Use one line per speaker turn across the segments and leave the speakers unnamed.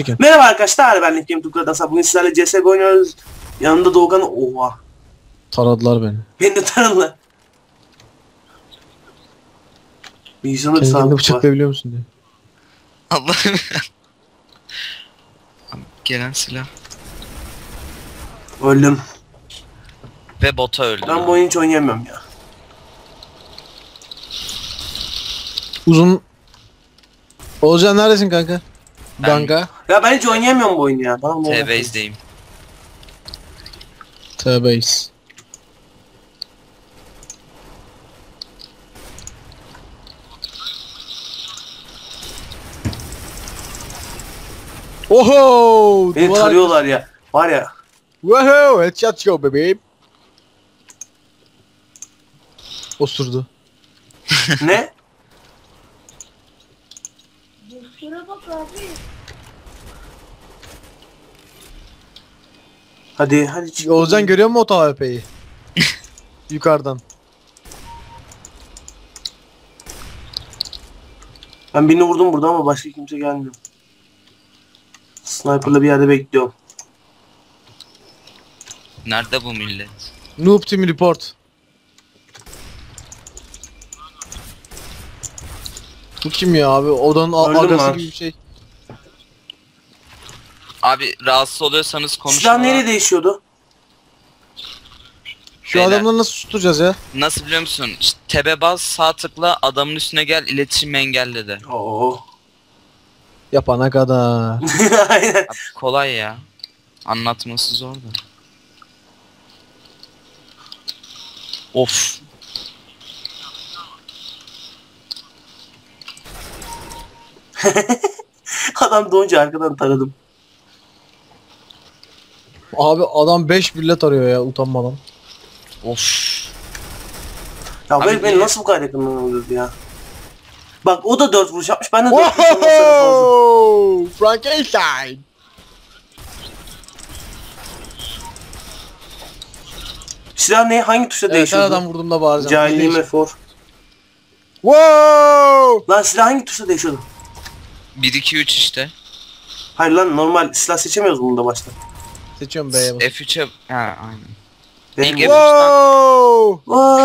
Çekin.
Merhaba arkadaşlar, ben Nick Game'da bugün sizlerle CSGO oynuyoruz. Yanımda Doğukan. Oha.
Taradılar beni.
Beni de tanıdılar. Bilgisayarda bir
Kendini
sağlık var.
bıçaklayabiliyor musun diye.
Allah'ım. Gelen silah.
Öldüm.
Ve bota öldü.
Ben bu oyunu hiç oynayamıyorum ya.
Uzun. Olcan neredesin kanka?
Ben-
Ganga.
Ya ben hiç oynayamıyorum bu oyunu ya. Bana ne oluyor?
T-Base'deyim.
T-Base. Oho!
Beni tarıyorlar ya. Var ya.
Woohoo! Headshot go bebeğim. Osurdu.
Ne?
Şuna bak abi.
Hadi çık.
Olcan görüyor musun o TVP'yi? Yukarıdan.
Ben birini vurdum burada ama başka kimse gelmiyor. Sniper'la bir yerde bekliyorum.
Nerede bu millet?
Noob Team Report. Bu kim ya abi? Odanın
Öldüm
agası
lan.
gibi bir şey.
Abi rahatsız oluyorsanız konuşun.
Silah neyle değişiyordu?
Şu
Beyler.
adamları nasıl susturacağız ya?
Nasıl biliyor musun? İşte tebe bas, sağ tıkla, adamın üstüne gel, iletişim engelle de.
Oo.
Yapana kadar.
Aynen.
Abi kolay ya. Anlatması zor da. Of.
Adam doğunca arkadan taradım.
Abi adam 5 millet arıyor ya utanmadan.
Of.
Ya
Abi
beni
niye?
nasıl bu kadar yakından öldürdü ya? Bak o da 4 vuruş yapmış. Ben de 4 vuruş yapmasına fazla.
Wow! Frankenstein.
Silah ne? Hangi tuşa
Evet, her
değişiyordu?
adam vurduğumda bağıracağım.
Cahilliğim efor.
Wow!
Lan silah hangi tuşa değişiyordu?
1-2-3 işte.
Hayır lan normal silah seçemiyoruz bunda başta.
Seçiyorum B'ye bas.
F3'e... Ha aynen.
Benim
İlk
bu-
Wow!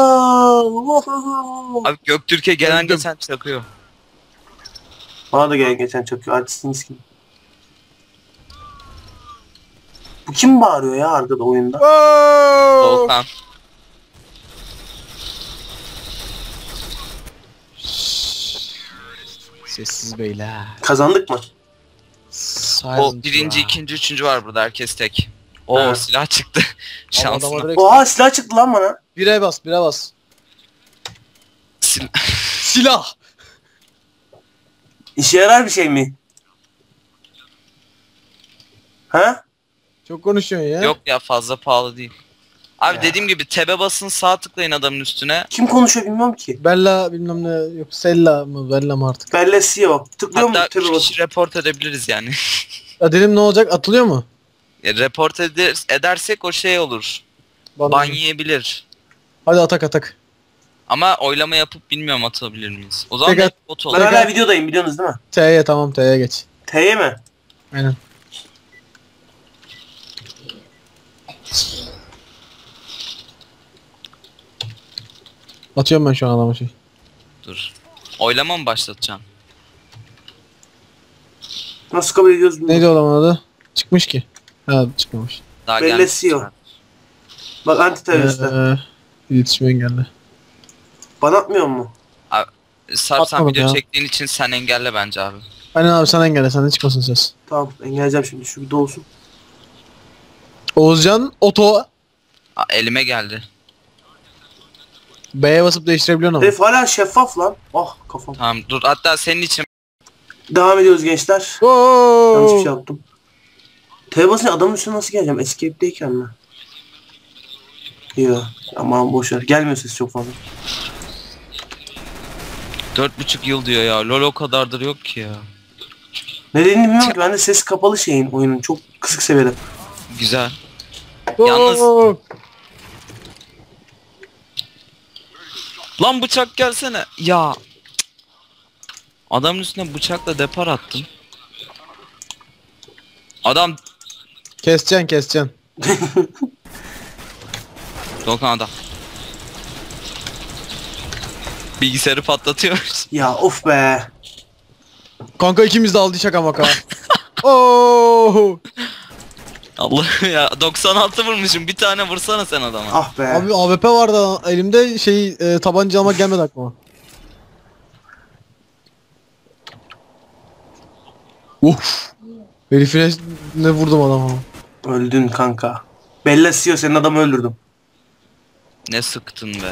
Wow!
Abi Göktürk'e gelen
Öldüm.
geçen çakıyor.
Bana da geçen çakıyor. Artistiniz kim? Bu kim bağırıyor ya arkada oyunda?
Wow!
Doğukan.
Sessiz beyler.
Kazandık mı?
O birinci, ikinci, üçüncü var burada. Herkes tek. O
Ha.
silah çıktı. Şansına.
Adama direkt
Oha silah çıktı lan bana.
bire bas, bire bas. Silah.
İşe yarar bir şey mi? Ha?
Çok konuşuyorsun ya.
Yok ya fazla pahalı değil. Abi
Ya.
dediğim gibi tebe basın, sağ tıklayın adamın üstüne.
Kim konuşuyor bilmiyorum ki.
Bella bilmem ne yok. Sella mı? Bella mı artık?
Belle CEO. Tıklıyor mu?
Hatta
Tabii
3
bak.
kişi report edebiliriz yani.
Ya dedim ne olacak? Atılıyor mu?
Report edersek o şey olur.
Bana-
Ban yiyebilir.
Hadi atak atak.
Ama oylama yapıp bilmiyorum atabilir miyiz. O zaman
Peki.
net bot
Ben
olur.
hala videodayım biliyorsunuz değil mi?
T'ye tamam T'ye geç.
T'ye mi?
Aynen. Atıyorum ben şu an adama şey.
Dur. Oylama mı başlatacaksın?
Nasıl kabul ediyoruz bilmiyorum.
Neydi o adamın adı? Çıkmış ki. Ha çıkmamış.
Daha
Belli
gelmiş.
CEO. Bak anti teröristler.
İletişim engelli.
Bana atmıyor mu?
Sarp sen
Atmadım
video
ya.
çektiğin için sen engelle bence abi.
Aynen abi sen engelle senden çıkmasın ses.
Tamam engelleyeceğim şimdi şu bir dolsun.
Oğuzcan oto
Elime geldi.
B'ye basıp değiştirebiliyorsun ama.
Herif hala şeffaf lan. Ah kafam.
Tamam dur hatta senin için
Devam ediyoruz gençler. Yanlış bir şey
Wow.
yaptım. T'ye basınca adamın üstüne nasıl geleceğim? Escape'deyken mi? Yok. Aman boşver. Gelmiyor ses çok fazla.
4,5 yıl diyor ya. LoL o kadardır yok ki ya.
Ne dediğini bilmiyorum ki. Ben de ses kapalı şeyin oyunun. Çok kısık seviyede.
Güzel.
Wow.
Lan bıçak gelsene. Ya. Adamın üstüne bıçakla depar attım. Adam
Keseceksin.
Doğukan adam. Bilgisayarı patlatıyor.
Ya of be.
Kanka ikimiz de aldı şaka maka. Oo.
Allah ya 96 vurmuşum. Bir tane vursana sen adama.
Ah be.
Abi AWP vardı elimde tabanca almak gelmedi aklıma. Uf. Herifine ne vurdum adama.
Öldün kanka. Bella Sio senin adamı öldürdüm.
Ne sıktın be.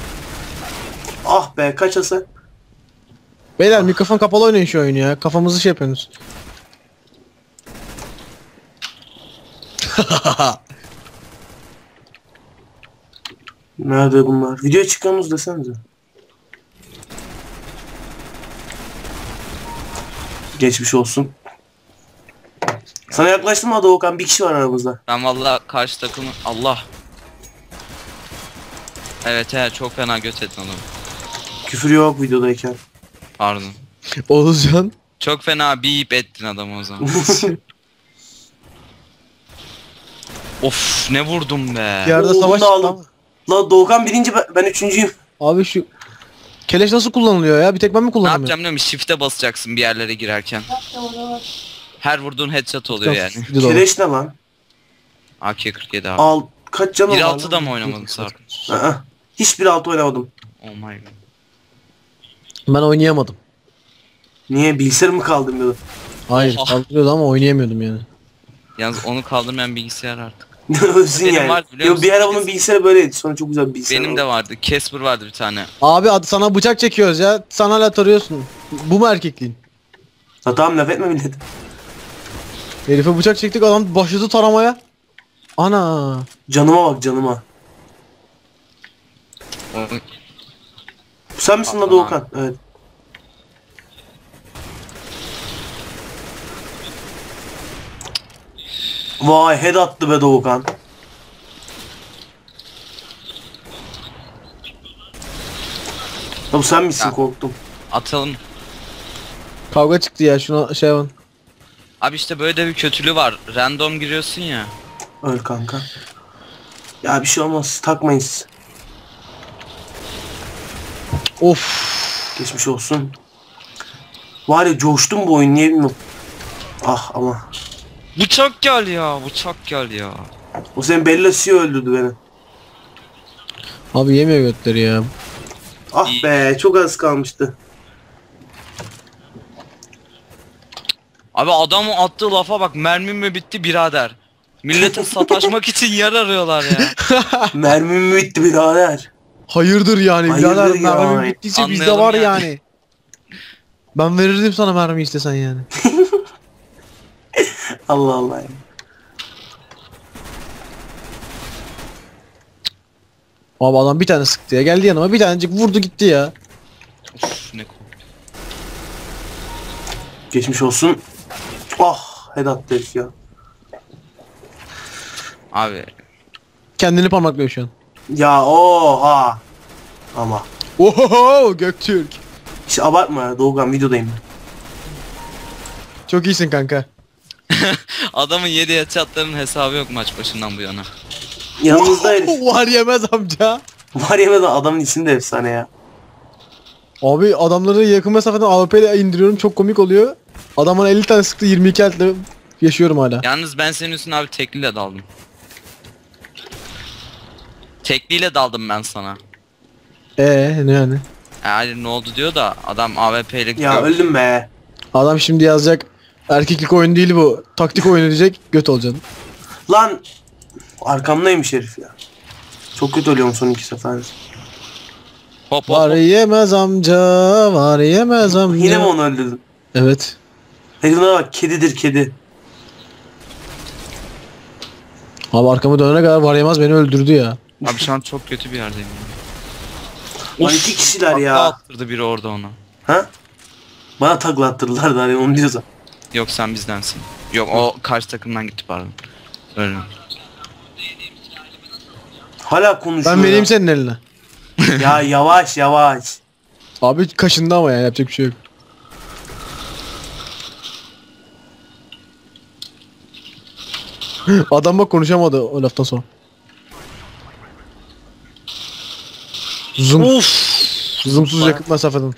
Ah be kaç hasar?
Beyler mikrofon kapalı oynayın şu oyunu ya. Kafamızı şey yapıyorsunuz.
Nerede bunlar? Video çıkıyorsunuz desenize. Geçmiş olsun. Sana yaklaştım mı Doğukan? Bir kişi var aramızda.
Ben vallahi karşı takımı Allah. Evet çok fena göt ettin adamı.
Küfür yok videodayken.
Pardon.
Oğuzcan.
Çok fena bip ettin adamı o zaman. Of ne vurdum be.
Yerde
Oo,
savaş
bunu da
çıktı
aldım. La Doğukan birinci ben üçüncüyüm.
Abi şu keleş nasıl kullanılıyor ya? Bir tek ben mi
Ne
kullanamıyorum?
yapacağım biliyor musun? Shift'e basacaksın bir yerlere girerken.
Bak da orada var.
Her vurduğun headshot oluyor yani.
Keleş ne lan?
AK-47 abi.
Al kaç canım var?
1.6'da mı oynamadın Sarp?
Aa, hiçbir altı oynamadım.
Oh my god.
Ben oynayamadım.
Niye bilgisayarım mı kaldım dedim.
Hayır
Oha.
kaldırıyordu ama oynayamıyordum yani.
Yalnız onu kaldırmayan bilgisayar artık.
Ölsün
Benim
yani.
var, biliyor
Yo, bir
musun?
ara bunun bilgisayarı böyleydi. Sonra çok güzel bir bilgisayar
Benim
oldu.
de vardı. Casper vardı bir tane.
Abi sana bıçak çekiyoruz ya. Sen hala tarıyorsun. Bu mu erkekliğin?
Ha, tamam laf etme millet.
Herife bıçak çektik adam başladı taramaya. Ana.
Canıma bak canıma.
Onu-
Sen misin la
Aman
Doğukan? Evet. Vay head attı be Doğukan. Ya bu sen misin
Ya.
korktum.
Atalım.
Kavga çıktı ya şuna şey yapın.
Abi işte böyle de bir kötülüğü var. Random giriyorsun ya.
Öl kanka. Ya bir şey olmaz takmayın siz.
Of.
Geçmiş olsun. Var ya coştum bu oyun niye bilmiyorum. Ah ama.
Bıçak gel ya. Bıçak gel ya.
O senin Bella Sio öldürdü beni.
Abi yemiyor götleri ya.
Ah
İyi.
be çok az kalmıştı.
Abi adamın attığı lafa bak, mermim mi bitti birader. Millete sataşmak için yer arıyorlar ya.
Mermim mi bitti birader?
Hayırdır yani
Hayırdır
birader
ya.
mermi bittiyse bizde
Anlayalım
var
yani.
yani. Ben verirdim sana mermi istesen yani.
Allah Allah ya.
Abi adam bir tane sıktı ya geldi yanıma bir tanecik vurdu gitti ya.
Of ne korktum.
Geçmiş olsun. Ah head attı herif ya.
Abi
Kendini parmaklıyor şu an.
Ya oha. Ama.
Oho Göktürk.
Hiç abartma ya Doğukan videodayım ben.
Çok iyisin kanka.
adamın 7 headshot'ların hesabı yok maç başından bu yana.
Yanımızda herif.
Var yemez amca.
Var yemeden adamın ismi de efsane ya.
Abi adamları yakın mesafeden AWP ile indiriyorum çok komik oluyor. Adamın 50 tane sıktı 22 eltle yaşıyorum hala.
Yalnız ben senin üstüne abi tekliyle daldım. Tekliyle daldım ben sana.
Ne yani?
Hayır ne oldu diyor da adam AWP'lik
Ya öldüm be.
Adam şimdi yazacak erkeklik oyun değil bu taktik oyunu diyecek göt olacaksın.
Lan. Arkamdaymış herif ya. Çok kötü ölüyorum son iki sefer.
Hop hop
Var
hop.
yemez amca var yemez amca.
Yine mi onu öldürdün?
Evet.
Herifine bak kedidir kedi.
Abi arkama dönene kadar var yemez beni öldürdü ya.
Abi şu an çok kötü bir yerdeyim.
Lan iki kişiler
Takla
ya.
attırdı biri orada ona.
Ha? Bana takla attırdılar da hani onu diyorsa.
Yok sen bizdensin. Yok o karşı takımdan gitti pardon. Öyle.
Hala konuşuyor
Ben vereyim
ya.
senin eline.
Ya yavaş yavaş.
Abi kaşındı ama ya yapacak bir şey yok. Adam bak konuşamadı o laftan sonra. Zoom.
Uf.
Zoomsuz yakıt mesafeden.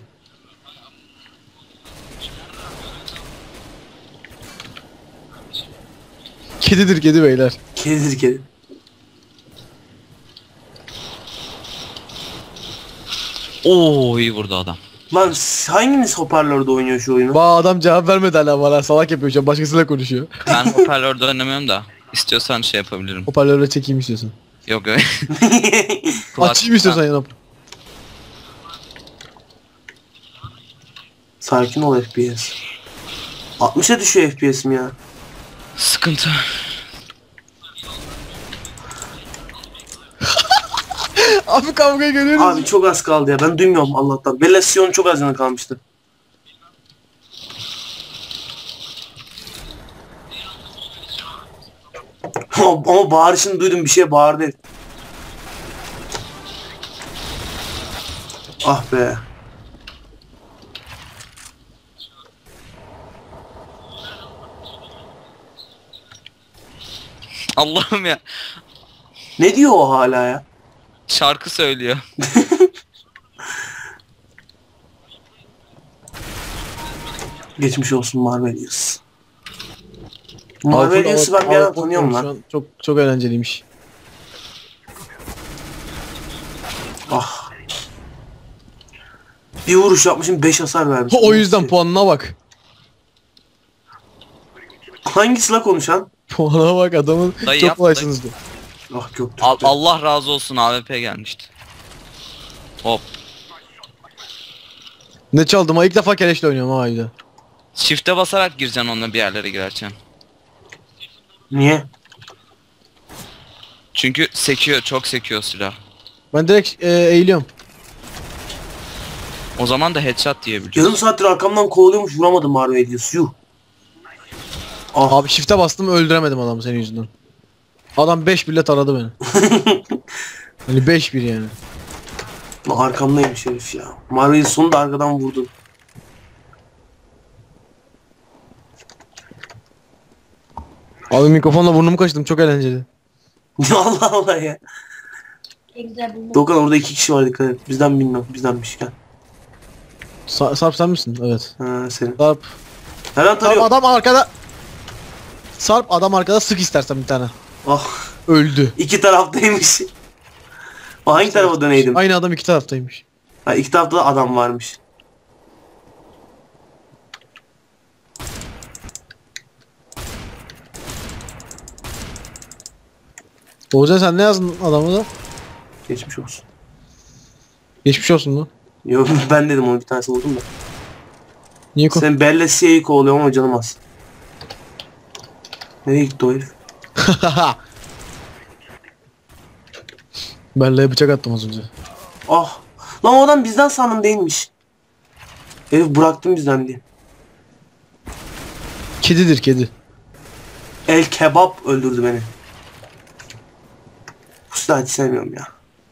Kedidir kedi beyler.
Kedidir kedi.
Oo iyi vurdu adam.
Lan hanginiz hoparlörde oynuyor şu oyunu?
Adam cevap vermedi hala bana. Salak yapıyor şu an. Başkasıyla konuşuyor.
Ben hoparlörde oynamıyorum da. İstiyorsan şey yapabilirim.
Hoparlörle çekeyim istiyorsan.
Yok yok.
Açayım istiyorsan yanıp.
Sakin ol FPS. 60'a düşüyor FPS'im ya.
Sıkıntı.
Abi kavgaya görüyoruz.
Abi çok az kaldı ya. Ben duymuyorum Allah'tan. Belasyon çok az yana kalmıştı. Ama bağırışını duydum, bir şey bağırdı. Ah be.
Allah'ım ya.
Ne diyor o hala ya?
Şarkı söylüyor.
Geçmiş olsun Marvelius. Marvelius'u ben bir ara tanıyorum
Şu
lan.
an çok eğlenceliymiş.
Ah. Bir vuruş yapmışım 5 hasar vermiş.
O yüzden puanına bak.
Hangisi la konuşan?
Puanına bak adamın
Dayı
çok
yap,
kolaysınız diyor.
Ah Göktürk.
Allah razı olsun AWP gelmişti. Hop.
Ne çaldım ha ilk defa keleşle oynuyorum ha bir de.
Shift'e basarak gireceksin onunla bir yerlere girerken.
Niye?
Çünkü sekiyor, çok sekiyor silah.
Ben direkt eğiliyorum.
O zaman da headshot diyebiliyorsun.
Yarım saattir arkamdan kovalıyormuş, vuramadım Marvelius. Yuh. Ah.
Abi shift'e bastım öldüremedim adamı senin yüzünden. Adam 5 bile taradı beni. Hani 5-1 yani.
Arkamdaymış herif ya. Marvelius sonunda arkadan vurdu.
Abi mikrofonla burnumu kaçtım çok eğlenceli.
Allah Allah ya.
Ne güzel buldum.
Doğukan orada 2 kişi var, dikkat et. Bizden bilmiyorum. Bizdenmiş gel.
Sarp sen misin? Evet.
Ha senin.
Sarp.
Hemen
Sarp
tarıyor.
adam arkada. Sarp adam arkada sık istersen bir tane.
Ah.
Öldü.
İki taraftaymış. O hangi tarafa döneydim?
Aynı adam iki taraftaymış.
Ha, iki tarafta da adam varmış.
Oğuzhan sen ne yazdın adamı da?
Geçmiş olsun.
Geçmiş olsun lan.
Yok ben dedim, onu bir tanesi vurdum da.
Niye ko?
Sen Bella Cia'yı kovalıyorum ama canım az. Nereye gitti o herif?
Bella'ya bıçak attım az önce.
Ah. Lan o adam bizden sandım, değilmiş. Herif bıraktım bizden diye.
Kedidir kedi.
El kebap öldürdü beni. Bu silahı hiç sevmiyorum ya.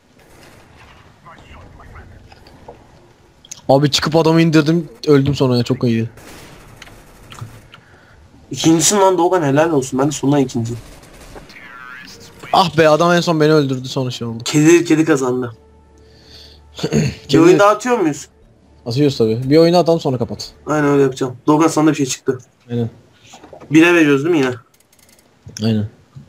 Abi çıkıp adamı indirdim öldüm sonra ya çok iyiydi.
İkincisin lan Doğukan, helal olsun. Ben de sondan ikinci.
Ah be adam en son beni öldürdü sonra şey oldu.
Kedi kazandı. Bir
Kedi-
oyun daha atıyor muyuz?
Atıyoruz tabi. Bir oyunu atalım sonra kapat.
Aynen öyle yapacağım. Doğukan sana da bir şey çıktı.
Aynen.
1'e veriyoruz değil mi yine?
Aynen.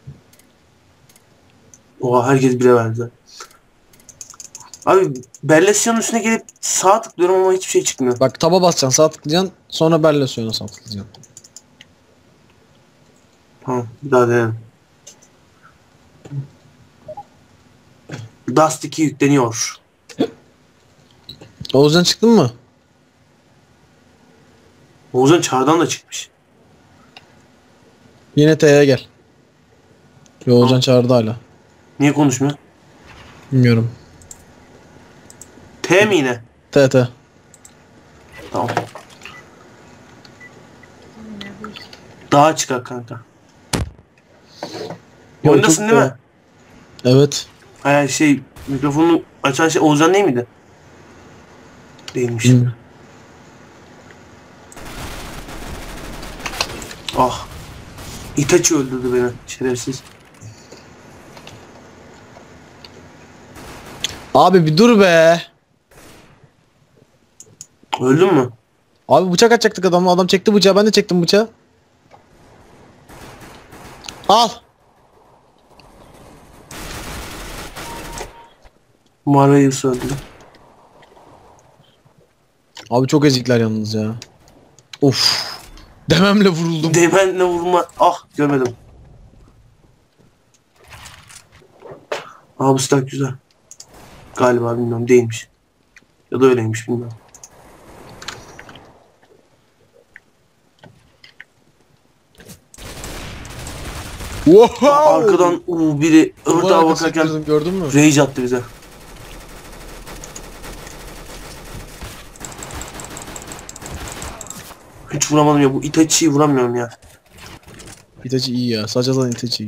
Oha herkes 1'e verdi. Abi Bellasyon'un üstüne gelip sağ tıklıyorum ama hiçbir şey çıkmıyor.
Bak taba basacaksın sağ tıklayacaksın sonra Bellasyon'a sağ tıklayacaksın.
Tamam bir daha denelim. Dust 2 yükleniyor.
Oğuzhan çıktın mı?
Oğuzhan çardan da çıkmış.
Yine T'ye gel. Yo Oğuzhan çağırdı hala.
Niye konuşmuyor?
Bilmiyorum.
T mi yine?
T.
Tamam. Daha çıkar kanka.
Yo,
Oyundasın
çok
değil mi?
Evet.
Hayır şey, mikrofonu açan şey Oğuzhan değil miydi? Değilmiş.
Bilmiyorum.
Ah. Itachi öldürdü beni şerefsiz.
Abi bir dur be.
Öldün mü?
Abi bıçak atacaktık adamla. Adam çekti bıçağı. Ben de çektim bıçağı. Al.
Marius öldü.
Abi çok ezikler yalnız ya. Of. Dememle vuruldum.
Demenle vurma. Ah görmedim. Aa bu silah güzel. Galiba bilmiyorum değilmiş. Ya da öyleymiş bilmiyorum.
Wow.
Arkadan biri
Duvar
örtağa
arkası
bakarken
yatırdım, gördün mü?
rage attı bize. Hiç vuramadım ya. Bu Itachi'yi vuramıyorum ya.
Itachi iyi ya. Saçadan Itachi iyi.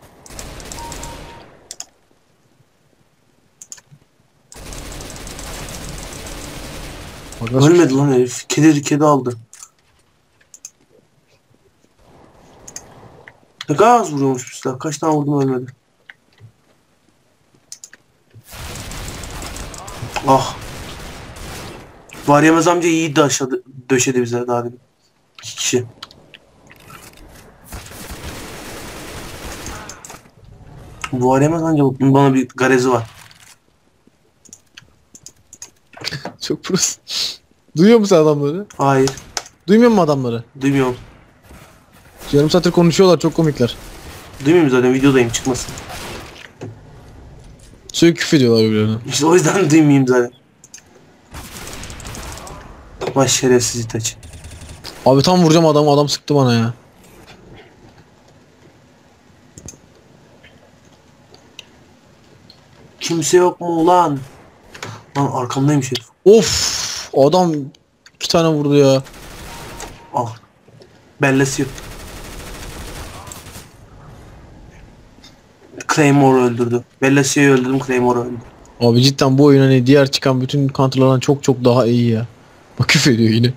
Bak nasıl-
Ölmedi lan herif. Kedi aldı. Ne kadar az vuruyormuş bu silah. Kaç tane vurdum ölmedi. Ah. Var yemez amca iyi döşedi bize daha demin. 2 kişi. Var yemez amca bana bir garezi var.
Çok pros. Duyuyor musun adamları?
Hayır.
Duymuyor musun adamları?
Duymuyorum.
Yarım saattir konuşuyorlar, çok komikler.
Duymuyorum zaten videodayım çıkmasın.
Sürekli küfür ediyorlar birbirlerine.
İşte o yüzden duymayayım zaten. Vay şerefsiz Itachi.
Abi tam vuracağım adamı, adam sıktı bana ya.
Kimse yok mu ulan? Lan arkamdaymış herif.
Of, adam 2 tane vurdu ya.
Ah. Bellesi yok. Claymore öldürdü. Bellasi'yi öldürdüm, Claymore öldü.
Abi cidden bu oyun hani diğer çıkan bütün counterlardan çok çok daha iyi ya. Bak küfür ediyor yine.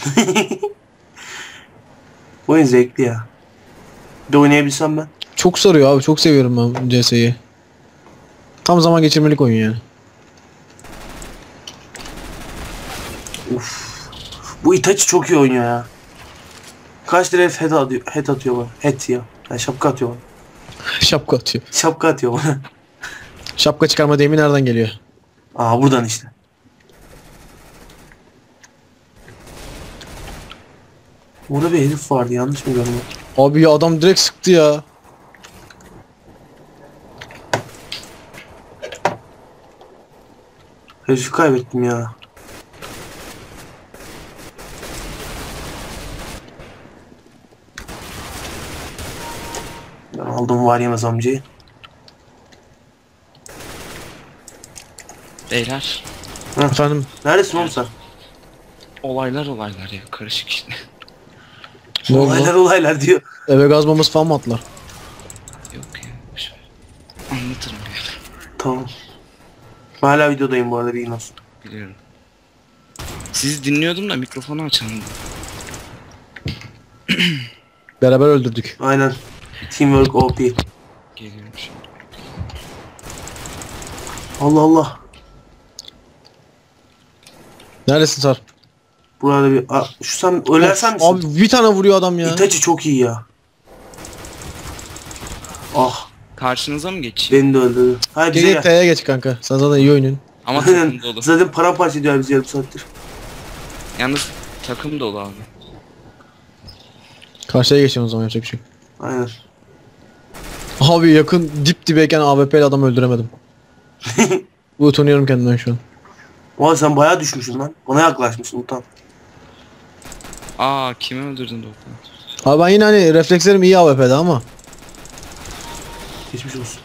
Bu oyun zevkli ya. Bir de oynayabilsem ben.
Çok sarıyor abi, çok seviyorum ben CS'yi. Tam zaman geçirmelik oyun yani.
Bu Itachi çok iyi oynuyor ya. Kaç liraya head atıyor bana. Head ya. Yani şapka atıyor bana.
Şapka atıyor.
Şapka atıyor bana.
Şapka çıkarma deyimi nereden geliyor?
Aa buradan işte. Orada bir herif vardı yanlış mı görüyorum?
Abi ya adam direkt sıktı ya.
Herifi kaybettim ya. Ben aldım var yemez amcayı.
Beyler.
Efendim,
Neredesin oğlum sen?
Olaylar ya karışık işte.
ne oldu
Olaylar
lan?
olaylar diyor.
Eve gaz bombası falan mı attılar?
Yok ya. boşver. Anlatırım ya.
Tamam. Ben hala videodayım bu arada bilgin olsun.
Biliyorum. Sizi dinliyordum da mikrofonu açamadım.
Beraber öldürdük.
Aynen. Teamwork OP.
Geliyorum şimdi.
Allah Allah.
Neredesin Sar?
Burada bir... şu sen ölersen misin?
Abi bir tane vuruyor adam ya.
Itachi çok iyi ya. Ah
Karşınıza mı geçeyim?
beni de öldürdü. Hayır bize
Gel
gel.
T'ye geç kanka. Sen zaten iyi oynuyorsun.
Ama
Aynen.
takım dolu.
Zaten paramparça ediyor bizi yarım saattir.
Yalnız takım dolu abi.
Karşıya geçelim o zaman, yapacak bir şey yok.
Aynen.
Abi yakın dip dibeyken AWP ile adam öldüremedim. Bu utanıyorum kendimden şu an.
Oha sen bayağı düşmüşsün lan. Bana yaklaşmışsın utan.
Aa kimi öldürdün Doğukan?
Abi ben yine hani reflekslerim iyi AWP'de ama.
Geçmiş olsun.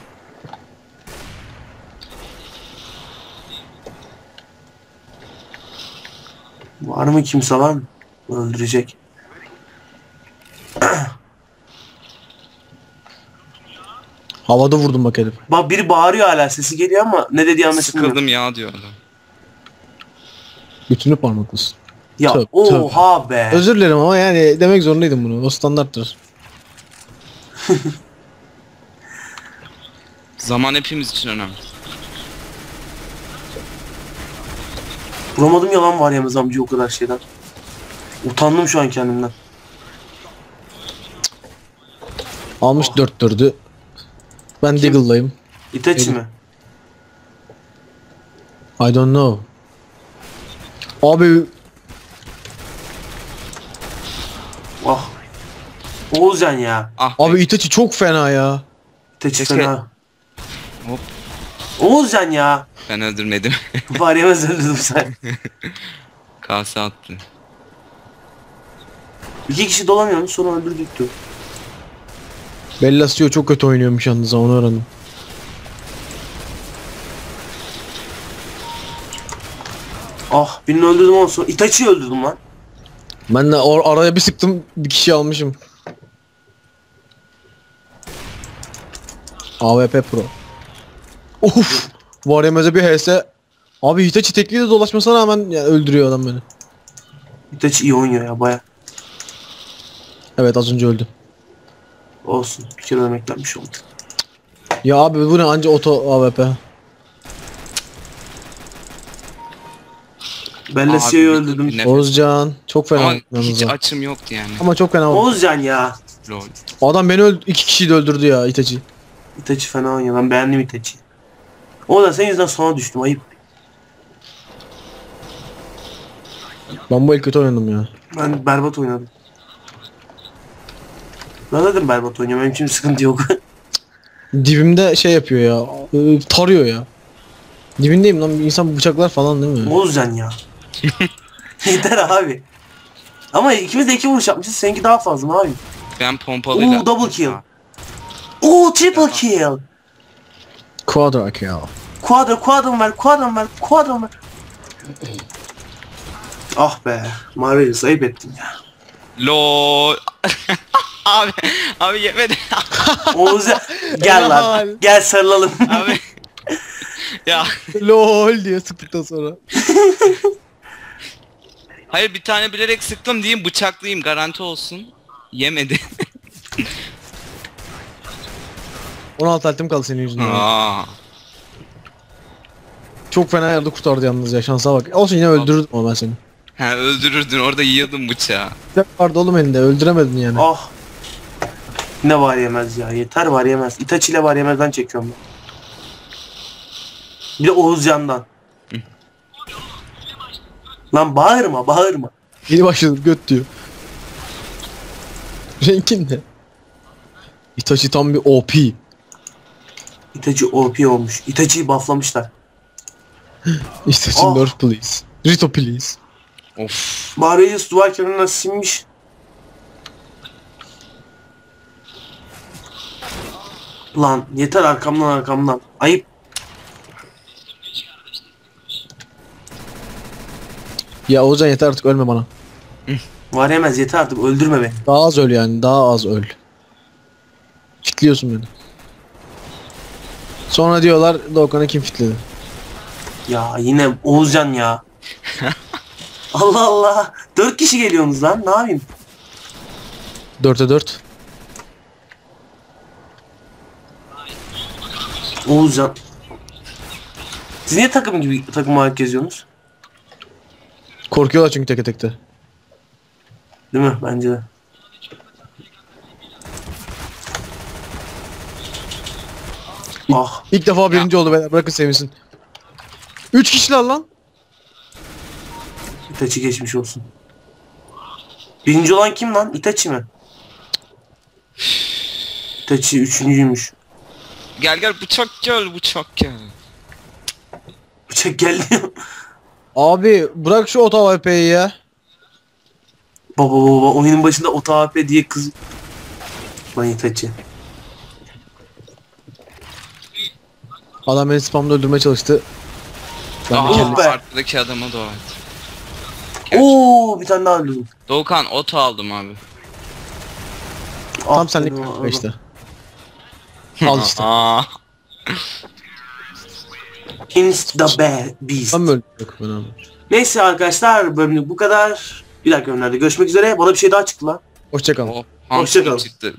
Var mı kimse lan? Öldürecek.
Havada vurdum bak herif.
Bak biri bağırıyor hala sesi geliyor ama ne dediği anlaşılmıyor.
Sıkıldım ya diyor adam.
Bütünü parmaklısın.
Ya
Tövbe,
oha be.
Özür dilerim ama yani demek zorundaydım bunu. O standarttır.
Zaman hepimiz için önemli.
Vuramadım yalan var yalnız amca o kadar şeyden. Utandım şu an kendimden.
Almış
Oh.
4-4'ü. Ben Deagle'layım.
Itachi mi?
I don't know. Abi
Ah. Oğuzcan ya.
Ah
abi Itachi çok fena ya.
Itachi
Keşke-
fena.
Hop.
Oğuzcan ya.
ben öldürmedim.
Var yemez öldürdüm sen.
Kase attı.
2 kişi dolanıyormuş sonra öldürdük diyor.
Bellasio çok kötü oynuyormuş yalnız onu öğrendim.
Ah birini öldürdüm ondan sonra Itachi'yi öldürdüm lan.
Ben de araya bir sıktım bir kişi almışım. AWP Pro. Of. Var yemeze bir HS. Abi Hitachi tekliği de dolaşmasına rağmen ya, öldürüyor adam beni.
Itachi iyi oynuyor ya baya.
Evet az önce öldü.
Olsun bir kere ölmeklenmiş oldu.
Ya abi bu ne anca oto AWP.
Bellasio'yu
Abi,
öldürdüm.
nefes-
Oğuzcan çok fena
Ama
yalnız
hiç
ha.
açım yoktu yani.
Ama çok fena oldu.
Oğuzcan ya.
Lol.
Adam beni iki kişiyi de öldürdü ya Itachi.
Itachi fena oynuyor ben beğendim Itachi'yi. O da senin yüzünden sona düştüm ayıp.
Ben bu el kötü oynadım ya.
Ben berbat oynadım. Ben zaten berbat oynuyorum benim için sıkıntı yok.
Dibimde şey yapıyor ya. Tarıyor ya. Dibindeyim lan insan bıçaklar falan değil mi?
Oğuzcan ya. Yeter abi. Ama ikimiz de 2 vuruş yapmışız seninki daha fazla abi.
Ben pompalıyla...
Oo, double kill. Oo triple kill.
Quadra kill.
Quadrum ver. Ah be. Marvelous ayıp ettin ya.
LOL. abi yemedi.
Oğuzcan gel lan.
Helal.
Gel sarılalım.
abi. Ya.
LOL diye sıktıktan sonra.
Hayır bir tane bilerek sıktım diyeyim bıçaklıyım garanti olsun. Yemedi.
16 altım kaldı senin yüzünden.
Aa.
Çok fena yerde kurtardı yalnız ya şansa bak. Olsun yine öldürürdüm ama ben seni.
Ha öldürürdün orada yiyordun bıçağı.
Bıçak vardı oğlum elinde öldüremedin yani.
Ah. Ne var yemez ya. Yeter var yemez. Itachi ile var yemezden çekiyorum ben. Bir de Oğuzcan'dan. Lan bağırma.
Yeni başladım göt diyor. Renkin ne? Itachi tam bir OP.
Itachi OP olmuş. Itachi'yi bufflamışlar.
Itachi
Oh.
nerf please. Rito please.
Of.
Marius duvar kenarına sinmiş. Lan yeter arkamdan. Ayıp.
Ya Oğuzhan yeter artık ölme bana.
Var yemez yeter artık öldürme beni.
Daha az öl yani daha az öl. Fitliyorsun beni. Sonra diyorlar Doğukan'ı kim fitledi?
Ya yine Oğuzcan ya. Allah Allah. 4 kişi geliyorsunuz lan ne yapayım?
4'e 4.
Oğuzcan. Siz niye takım olarak geziyorsunuz?
Korkuyorlar çünkü teke tekte.
Değil mi? Bence de. Ah.
İlk defa birinci oldu beyler bırakın sevinsin. 3 kişiler lan.
Itachi geçmiş olsun. Birinci olan kim lan? Itachi mi? Itachi üçüncüymüş.
Gel bıçak gel.
Bıçak geldi.
Abi bırak şu oto AWP'yi ya.
Baba oyunun başında OTAP diye kız. Lan Itachi.
Adam beni spamda öldürmeye çalıştı. Ben de
Oh
kendimi...
be.
Arkadaki adama dua et.
Oo bir tane daha öldürdüm.
Doğukan oto aldım abi.
Tam
Ah,
senlik
dedim,
kanka işte. Al işte.
Aa.
Insta bad beast.
Ben mi öldüm? Yok ben abi.
Neyse arkadaşlar bölümlük bu kadar. Bir dahaki bölümlerde görüşmek üzere. Bana bir şey daha çıktı lan.
Hoşçakalın.
Oh,
Hoşça kalın.
çıktı.